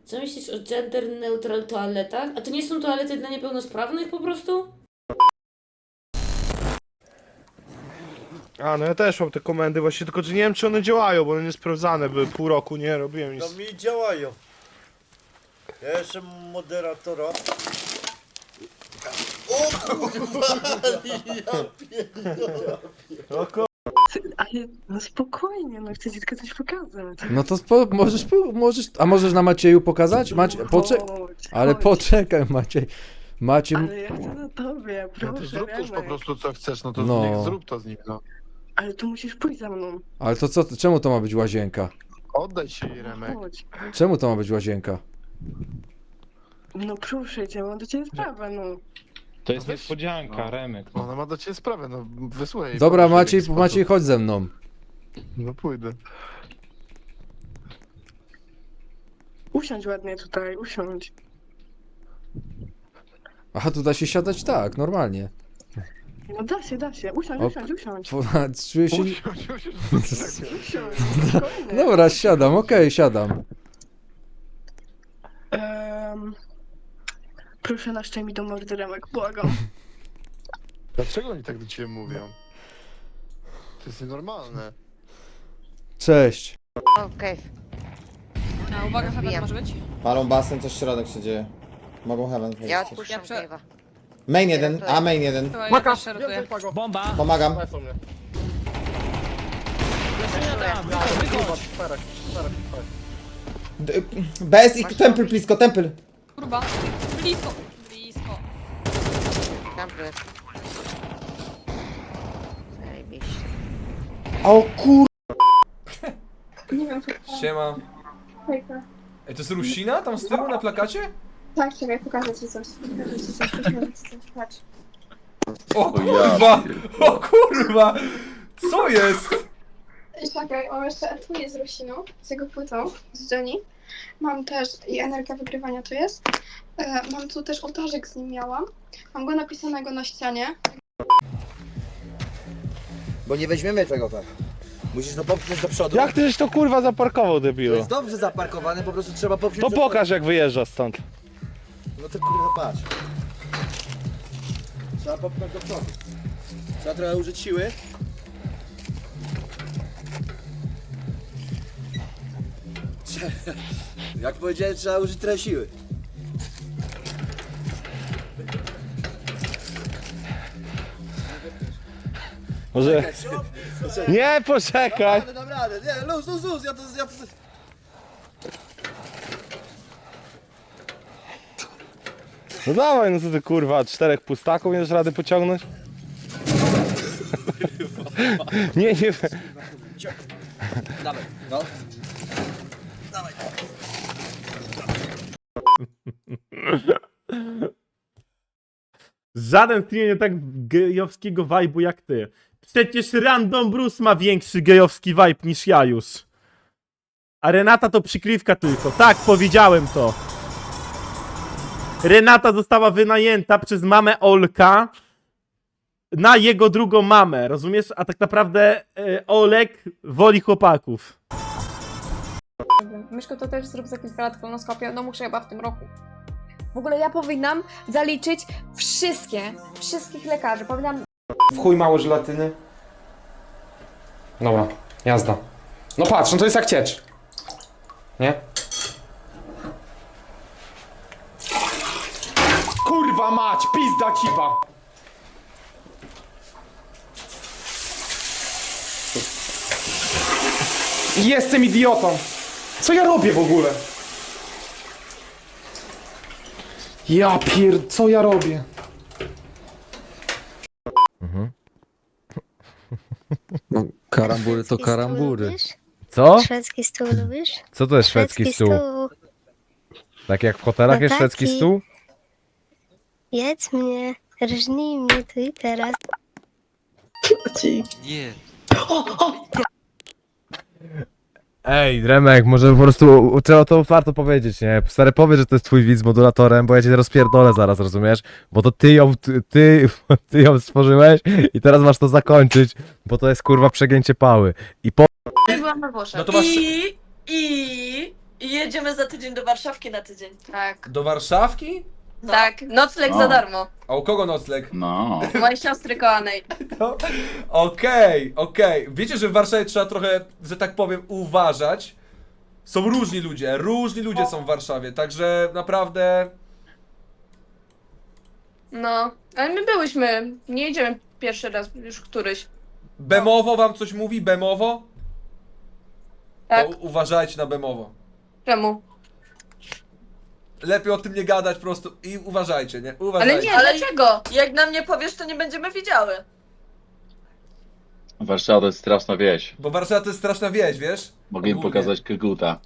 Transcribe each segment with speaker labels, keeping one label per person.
Speaker 1: Co myślisz o gender neutral toaletach? A to nie są toalety dla niepełnosprawnych po prostu?
Speaker 2: A, no ja też mam te komendy właśnie, tylko że nie wiem czy one działają, bo one nie sprawdzane były, pół roku nie robiłem
Speaker 3: No
Speaker 2: nic.
Speaker 3: mi działają. Ja jestem moderatora. O kurwa! Ja pierdolę.
Speaker 4: Ale no spokojnie, no chcę ci tylko coś pokazać.
Speaker 5: No to możesz, a możesz na Macieju pokazać?
Speaker 4: Chodź,
Speaker 5: Ale
Speaker 4: chodź.
Speaker 5: poczekaj Maciej. Maciej,
Speaker 4: Ale ja chcę na tobie,
Speaker 6: No to
Speaker 4: proszę,
Speaker 6: zrób już po
Speaker 4: Remek.
Speaker 6: prostu co chcesz, no to
Speaker 5: No.
Speaker 6: niech zrób to z nim, no.
Speaker 4: Ale tu musisz pójść za mną.
Speaker 5: ale to co, czemu to ma być łazienka?
Speaker 6: Oddaj się jej, Remek.
Speaker 4: Chodź.
Speaker 5: Czemu to ma być łazienka?
Speaker 4: No proszę cię, mam do ciebie sprawę, no.
Speaker 7: To jest
Speaker 6: Weź,
Speaker 7: niespodzianka,
Speaker 6: no.
Speaker 7: Remek.
Speaker 6: Ona ma do ciebie sprawę, no wysłuchaj jej.
Speaker 5: Dobra
Speaker 6: powiedz, w jaki
Speaker 5: Maciej,
Speaker 6: sposób.
Speaker 5: chodź ze mną.
Speaker 6: No pójdę.
Speaker 4: Usiądź ładnie tutaj, usiądź.
Speaker 5: Aha, tu da się siadać? Tak, normalnie.
Speaker 4: No da się. Usiądź,
Speaker 5: O,
Speaker 4: usiądź, usiądź.
Speaker 5: Czuję się...
Speaker 4: Usiądź, spokojnie.
Speaker 5: Dobra, siadam, okej, siadam.
Speaker 4: Proszę naszczaj mi do mordy, Remek, błagam.
Speaker 6: Dlaczego oni tak do ciebie mówią? To jest nienormalne.
Speaker 5: Cześć.
Speaker 8: Okej.
Speaker 9: A uwaga, heaven może być.
Speaker 10: Palą basen, coś w środek się dzieje. Mogą heaven wejść.
Speaker 8: Ja
Speaker 10: też.
Speaker 8: odpuszczam
Speaker 9: Ja
Speaker 8: cave'a.
Speaker 10: Main jeden, a main jeden.
Speaker 9: Chyba ja też szeruję.
Speaker 7: Bomba!
Speaker 10: Pomagam. BS i temple blisko, temple.
Speaker 9: Kurwa. Blisko. Blisko.
Speaker 8: Dobry. Zajebiście.
Speaker 10: O kur...
Speaker 11: Nie wiem,
Speaker 5: Siema.
Speaker 11: hejka.
Speaker 5: Ej, to jest Rusina tam z tyłu na plakacie?
Speaker 11: Tak, czekaj, pokażę ci coś. Patrz.
Speaker 5: O kurwa! O kurwa! Co jest?
Speaker 11: Czekaj, mam jeszcze etui z Rusiną, z jego płytą, z Johnny. Mam też, i energia wygrywania tu jest. Mam tu też ołtarzyk z nim miałam. Mam go napisanego na ścianie.
Speaker 3: Bo nie weźmiemy tego tak. Musisz to popchnąć do przodu.
Speaker 2: Jak ty żeś to kurwa zaparkował,
Speaker 3: To
Speaker 2: debilu?
Speaker 3: jest dobrze zaparkowane, po prostu trzeba popchnąć
Speaker 2: To
Speaker 3: do przodu.
Speaker 2: pokaż jak wyjeżdżasz stąd.
Speaker 3: No to kurwa patrz. Trzeba popchnąć do przodu. Trzeba trochę użyć siły. Jak powiedziałem, trzeba użyć trochę siły.
Speaker 2: Może... Nie, poczekaj!
Speaker 3: Dam radę, nie, luz, ja to...
Speaker 2: No dawaj, no co ty kurwa, 4 pustaków nie dasz rady pociągnąć? Nie.
Speaker 3: Dawaj, no.
Speaker 12: Żaden stream nie tak gejowskiego vibe'u jak ty. Przecież Random Bruce ma większy gejowski vibe niż ja już. A Renata to przykrywka tylko. Tak, powiedziałem to. Renata została wynajęta przez mamę Olka na jego drugą mamę, rozumiesz? A tak naprawdę Olek woli chłopaków.
Speaker 11: Myszko, to też zrób za kilka lat kolonoskopię, no muszę chyba w tym roku. W ogóle ja powinnam zaliczyć wszystkich lekarzy, powinnam...
Speaker 5: W chuj mało żelatyny. Dobra, jazda. No patrz, no to jest jak ciecz. Nie? Kurwa mać, pizda cipa! Jestem idiotą! Co ja robię w ogóle? Ja co ja robię?
Speaker 10: No, karambury to karambury.
Speaker 12: Co?
Speaker 11: Szwedzki stół lubisz?
Speaker 12: Co to jest szwedzki stół? Tak jak w hotelach
Speaker 11: No
Speaker 12: jest szwedzki
Speaker 11: taki.
Speaker 12: stół?
Speaker 11: Jedz mnie, rżnij mnie tu i teraz.
Speaker 10: Nie.
Speaker 12: Ej, Remek, może po prostu trzeba to warto powiedzieć, nie? Stary, powiedz, że to jest twój widz z modulatorem, bo ja cię rozpierdolę zaraz, rozumiesz? Bo to ty ją stworzyłeś i teraz masz to zakończyć, bo to jest kurwa przegięcie pały. I po...
Speaker 9: Byłam na Włoszech.
Speaker 5: No to masz...
Speaker 4: I jedziemy za tydzień do Warszawki na tydzień.
Speaker 9: Tak.
Speaker 12: Do Warszawki?
Speaker 9: Tak, nocleg
Speaker 7: O.
Speaker 9: za darmo.
Speaker 12: A u kogo nocleg?
Speaker 7: No.
Speaker 9: Mojej siostry kochanej.
Speaker 12: Okej. Wiecie, że w Warszawie trzeba trochę, że tak powiem, uważać. Są różni ludzie są w Warszawie, także naprawdę...
Speaker 9: No, ale my byłyśmy, nie jedziemy pierwszy raz, już któryś.
Speaker 12: Bemowo wam coś mówi? Bemowo?
Speaker 9: Tak.
Speaker 12: To uważajcie na Bemowo.
Speaker 9: Czemu?
Speaker 12: Lepiej o tym nie gadać po prostu i uważajcie, nie? Uważajcie.
Speaker 9: Ale nie, dlaczego? Jak nam nie powiesz, to nie będziemy wiedziały.
Speaker 7: Warszawa to jest straszna wieś.
Speaker 12: Bo Warszawa to jest straszna wieś, wiesz?
Speaker 7: Mogę im
Speaker 12: Ogólnie.
Speaker 7: pokazać Koguta.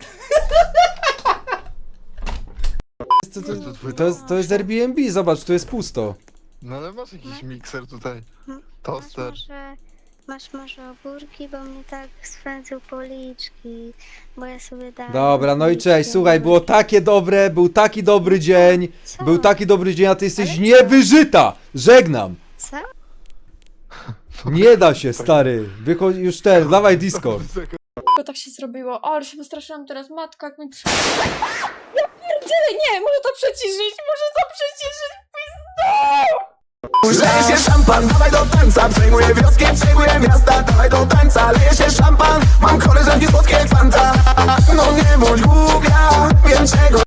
Speaker 10: To jest Airbnb, zobacz, tu jest pusto.
Speaker 6: No ale masz jakiś mikser tutaj. Toster.
Speaker 11: Masz może ogórki, bo mnie tak swędził policzki, bo ja sobie dałam...
Speaker 10: Dobra, no i cześć, słuchaj, było takie dobre, był taki dobry dzień, był taki dobry dzień, a ty jesteś niewyżyta! Żegnam!
Speaker 11: Co?
Speaker 10: Nie da się, stary, wychodź już dawaj Discord.
Speaker 9: Tylko tak się zrobiło, ale się wystraszyłam teraz, matka jak mi Ja pierdzielę, nie, może to przyciszyć,
Speaker 3: Leje się szampan, dawaj do tańca. Przejmuję wioski, przejmuję miasta. Dawaj do tańca, leje się szampan. Mam koleżanki słodkie jak fanta. No nie bądź głupia, wiem czego